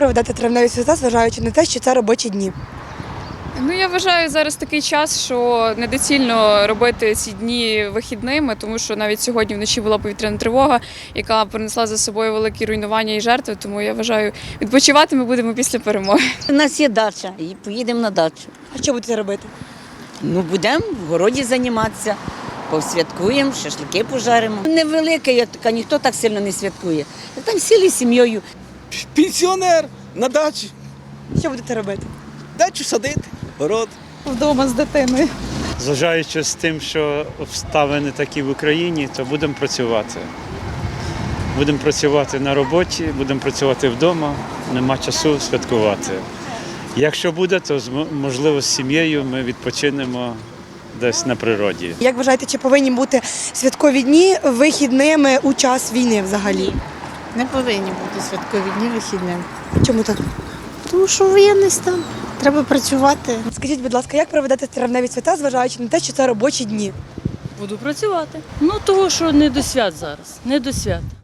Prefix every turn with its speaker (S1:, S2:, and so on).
S1: проведете травневі свята, зважаючи на те, що це робочі дні?
S2: Ну, я вважаю зараз такий час, що недоцільно робити ці дні вихідними, тому що навіть сьогодні вночі була повітряна тривога, яка принесла за собою великі руйнування і жертви. Тому я вважаю, відпочивати ми будемо після перемоги.
S3: У нас є дача і поїдемо на дачу.
S1: А що будете робити?
S3: Ну, будемо в городі займатися, посвяткуємо, шашлики пожаримо. Невелика, я така, ніхто так сильно не святкує. Там сіли з сім'єю.
S4: Пенсіонер на дачі.
S1: Що будете робити?
S4: Дачу садити, город.
S5: Вдома з дитиною.
S6: Зважаючи з тим, що обставини такі в Україні, то будемо працювати. Будемо працювати на роботі, будемо працювати вдома, нема часу святкувати. Якщо буде, то можливо з сім'єю ми відпочинемо десь на природі.
S1: Як вважаєте, чи повинні бути святкові дні вихідними у час війни взагалі?
S5: Не повинні бути святкові дні вихідними.
S1: Чому так?
S5: Тому що воєнний стан. Треба працювати.
S1: Скажіть, будь ласка, як проведете травневі свята, зважаючи на те, що це робочі дні?
S7: Буду працювати. Ну, того, що не до свят зараз, не до свят.